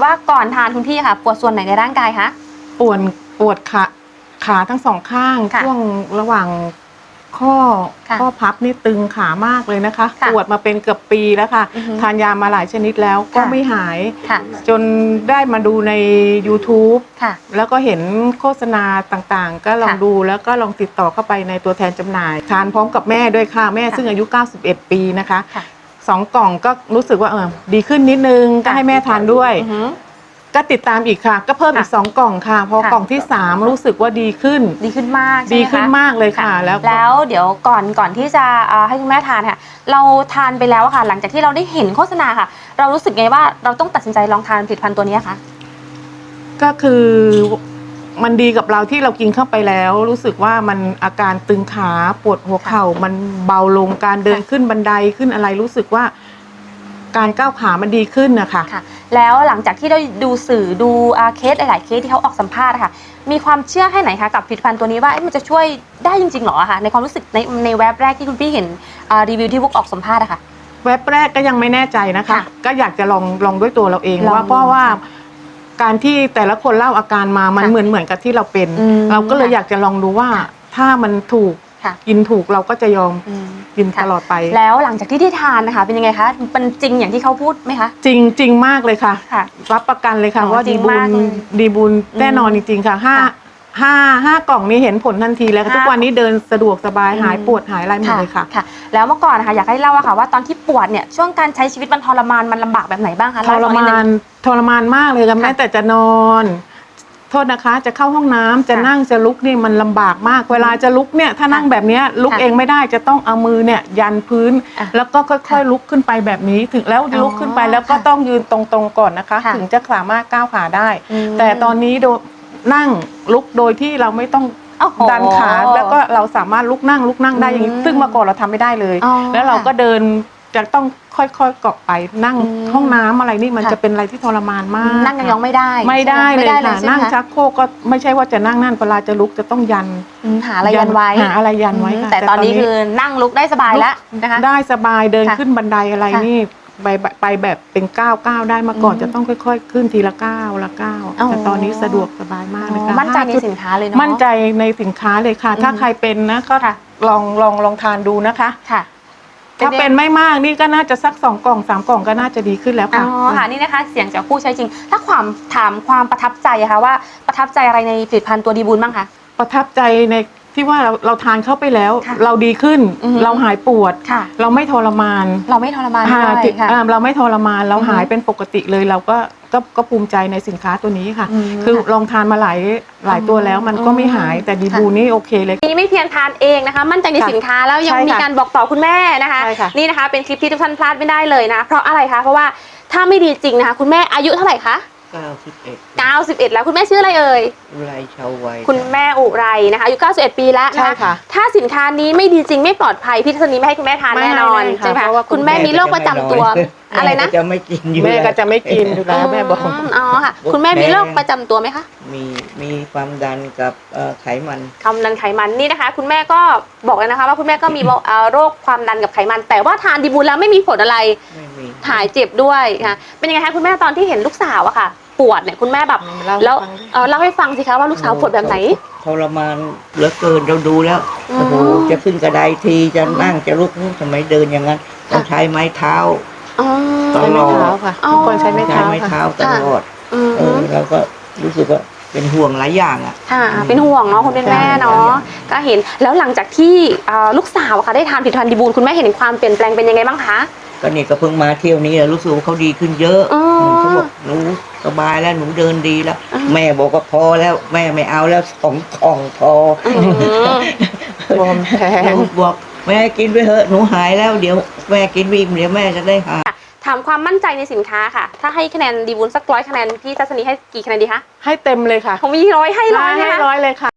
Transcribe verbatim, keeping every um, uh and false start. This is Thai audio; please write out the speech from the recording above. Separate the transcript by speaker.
Speaker 1: ว่าก่อนทานคุณพี่ค่ะปวดส่วนไหนในร่างกายคะ
Speaker 2: ปวดปวดขาขาทั้งสองข้างช่วงระหว่างข้อข้อพับนี่ตึงขามากเลยนะคะปวดมาเป็นเกือบปีแล้วค่ะทานยามาหลายชนิดแล้วก็ไม่หายจนได้มาดูใน ยูทูบ แล้วก็เห็นโฆษณาต่างๆก็ลองดูแล้วก็ลองติดต่อเข้าไปในตัวแทนจำหน่ายทานพร้อมกับแม่ด้วยค่ะแม่ซึ่งอายุเก้าสิบเอ็ดปีนะคะสองกล่องก็รู้สึกว่าเออดีขึ้นนิดนึงก็ให้แม่ทานด้วยก็ติดตามอีกค่ะก็เพิ่มอีกสองกล่องค่ะพอกล่องที่สามรู้สึกว่าดีขึ้น
Speaker 1: ดีขึ้นมาก
Speaker 2: ดีขึ้นมากเลยค่ะแล้ว
Speaker 1: แล้วเดี๋ยวก่อนก่อนที่จะให้คุณแม่ทานค่ะเราทานไปแล้วค่ะหลังจากที่เราได้เห็นโฆษณาค่ะเรารู้สึกไงว่าเราต้องตัดสินใจลองทานผลิตภัณฑ์ตัวนี้คะ
Speaker 2: ก็คือมันดีกับเราที่เรากินเข้าไปแล้วรู้สึกว่ามันอาการตึงขาปวดหัวเข่ามันเบาลงการเดินขึ้นบันไดขึ้นอะไรรู้สึกว่าการก้าวขามันดีขึ้นนะคะ
Speaker 1: ค่ะแล้วหลังจากที่ได้ดูสื่อดูเคสหลายๆเคสที่เขาออกสัมภาษณ์ค่ะมีความเชื่อแค่ไหนคะกับผลิตภัณฑ์ตัวนี้ว่ามันจะช่วยได้จริงๆหรอคะในความรู้สึกในในเว็บแรกที่คุณพี่เห็นรีวิวที่พวกออกสัมภาษณ์อะค่ะ
Speaker 2: เว็บแรกก็ยังไม่แน่ใจนะคะก็อยากจะลองลองด้วยตัวเราเองว่าเพราะว่าการที่แต่ละคนเล่าอาการมามันเหมือนเหมือนกับที่เราเป็นเราก็เลยอยากจะลองดูว่าถ้ามันถูกกินถูกเราก็จะยอมกินตลอดไป
Speaker 1: แล้วหลังจากที่ได้ทานนะคะเป็นยังไงคะเป็นจริงอย่างที่เขาพูดไหมคะ
Speaker 2: จริงจริงมากเลยค่ะรับประกันเลยค่ะว่าดีบุญดีบุญแน่นอนจริงๆค่ะห้าห้าห้ากล่องนี้เห็นผลทันทีแล้วทุกวันนี้เดินสะดวกสบายหายปวดหายอะไรหมดเลยค่ะ
Speaker 1: แล้วเมื่อก่อนนะคะอยากให้เล่าอะค่ะว่าตอนที่ปวดเนี่ยช่วงการใช้ชีวิตมันทรมานมันลำบากแบบไหนบ้างคะ
Speaker 2: ทรมานทรมานมากเลยค่ะแม้แต่จะนอนโทษนะคะจะเข้าห้องน้ำจะนั่งจะลุกนี่มันลำบากมากเวลาจะลุกเนี่ยถ้านั่งแบบนี้ลุกเองไม่ได้จะต้องเอามือเนี่ยยันพื้นแล้วก็ค่อยๆลุกขึ้นไปแบบนี้ถึงแล้วลุกขึ้นไปแล้วก็ต้องยืนตรงๆก่อนนะคะถึงจะสามารถก้าวขาได้แต่ตอนนี้โดนั่งลุกโดยที่เราไม่ต้องดันขาแล้วก็เราสามารถลุกนั่งลุกนั่งได้อย่างนี้ซึ่งเมื่อก่อนเราทำไม่ได้เลยแล้วเราก็เดินจะต้องค่อยๆเกาะไปนั่งห้องน้ำอะไรนี่มันจะเป็นอะไรที่ทรมานมาก
Speaker 1: นั่งยังไม่ได้
Speaker 2: ไม่ได้เลยค่ะนั่งชักโครกก็ไม่ใช่ว่าจะนั่งนั่นเวลาจะลุกจะต้องยัน
Speaker 1: หาอะไรยันไว้
Speaker 2: หาอะไรยันไว้ค่ะ
Speaker 1: แต่ตอนนี้คือนั่งลุกได้สบายแล้วนะคะ
Speaker 2: ได้สบายเดินขึ้นบันไดอะไรนี่ไปไปแบบเป็นก้าวก้าวได้มาก่อนจะต้องค่อยๆขึ้นทีละก้าวละก้าวแต่ตอนนี้สะดวกสบายมากเลยค่ะ
Speaker 1: มั่นใจในสินค้าเลยเนาะ
Speaker 2: มั่นใจในสินค้าเลยค่ะถ้าใครเป็นนะก็ลองลองลองทานดูนะคะถ้าเป็นไม่มากนี่ก็น่าจะสักสองกล่องสามกล่องก็น่าจะดีขึ้นแล้วค่ะ
Speaker 1: อ๋อค่ะนี่นะคะเสียงจากผู้ใช้จริงถ้าความถามความประทับใจอะคะว่าประทับใจอะไรในผลิตภัณฑ์ตัวดีบุญบ้างคะ
Speaker 2: ประทับใจในที่ว่าเราเราทานเข้าไปแล้วเราดีขึ้นเราหายปวดเราไม่ทรมาน
Speaker 1: เราไม่ทรมานด้วยค่ะ
Speaker 2: เราไม่ทรมานเราหายเป็นปกติเลยเราก็ก็ก็ภูมิใจในสินค้าตัวนี้ค่ะคือลองทานมาหลายหลายตัวแล้วมันก็ไม่หายแต่ดีบูนี่โอเคเลย
Speaker 1: นี่ไม่เพียงทานเองนะคะมั่นใจในสินค้าแล้วยังมีการบอกต่อคุณแม่นะคะนี่นะคะเป็นคลิปที่ทุกท่านพลาดไม่ได้เลยนะเพราะอะไรคะเพราะว่าถ้าไม่ดีจริงนะคะคุณแม่อายุเท่าไหร่คะ
Speaker 3: เก้าสิบเอ็ด
Speaker 1: เก้าสิบเอ็ดแล้วคุณแม่ชื่ออะไรเอ่ย
Speaker 3: อุไรชาวไว
Speaker 1: คุณแม่อุไรนะคะอายุเก้าสิบเอ็ดปีแล้วนะคะถ้าสินค้านี้ไม่ดีจริงไม่ปลอดภัยพี่ทัศนีไม่ให้คุณแม่ทานแน่นอนใช่ไหมคะคุณแม่มีโรคประจำตัวอะไรนะ
Speaker 3: จะไม่กินอยู่
Speaker 2: แม่ก็จะไม่กินอยู่แล้วแม่บอก
Speaker 1: อ๋อค่ะคุณแม่มีโรคประจำตัวไหมคะ
Speaker 3: มีมีความดันกับไขมัน
Speaker 1: ความดันไขมันนี่นะคะคุณแม่ก็บอกเลยนะคะว่าคุณแม่ก็มีโรคความดันกับไขมันแต่ว่าทานดีบูลแล้วไม่มีผลอะไรหายเจ็บด้วยค่ะเป็นยังไงคะคุณแม่ตอนที่เห็นลูกสาวอะค่ะปวดเนี่ยคุณแม่แบบแล้วเล่าให้ฟังสิคะว่าลูกสาวปวดแบบไหน
Speaker 3: ทรมานเหลือเกินเราดูแล้วโอ้โหจะขึ้นกระไดทีจะนั่งจะลุกทำไมเดินอย่างนั้นต้องใช้ไม้เท้า
Speaker 2: ใช้ไม้เท้าค่ะทุกคนใช้ไม้เท้า
Speaker 3: ใช้ไม้เท้าตลอดเออเราก็รู้สึกว่าเป็นห่วงหลายอย่างอ่ะ
Speaker 1: ค่ะเป็นห่วงเนาะคุณเป็นแม่เนาะก็เห็นแล้วหลังจากที่ลูกสาวค่ะได้ทานผลิตภัณฑ์ดีบูลคุณแม่เห็นความเปลี่ยนแปลงเป็นยังไงบ้างคะ
Speaker 3: ก็นี่ก็เพิ่งมาเที่ยวนี้รู้สึกว่าเขาดีขึ้นเยอะเขาบอกหนูสบายแล้วหนูเดินดีแล้วแม่บอกว่าพอแล้วแม่ไม่เอาแล้วสองกล่องพอบ
Speaker 2: อมแพง
Speaker 3: บอกแม่กินไปเถอะหนูหายแล้วเดี๋ยวแม่กินวิ่งเดี๋ยวแม่จะได้หาย
Speaker 1: ถามความมั่นใจในสินค้าค่ะถ้าให้คะแนนดีบุญสักร้อยคะแนนพี่ทัศนีให้กี่คะแนนดีคะ
Speaker 2: ให้เต็มเลยค่ะ
Speaker 1: ผมมีร้อยให้ร้อย
Speaker 2: ให้ร้อยเลยค่ะ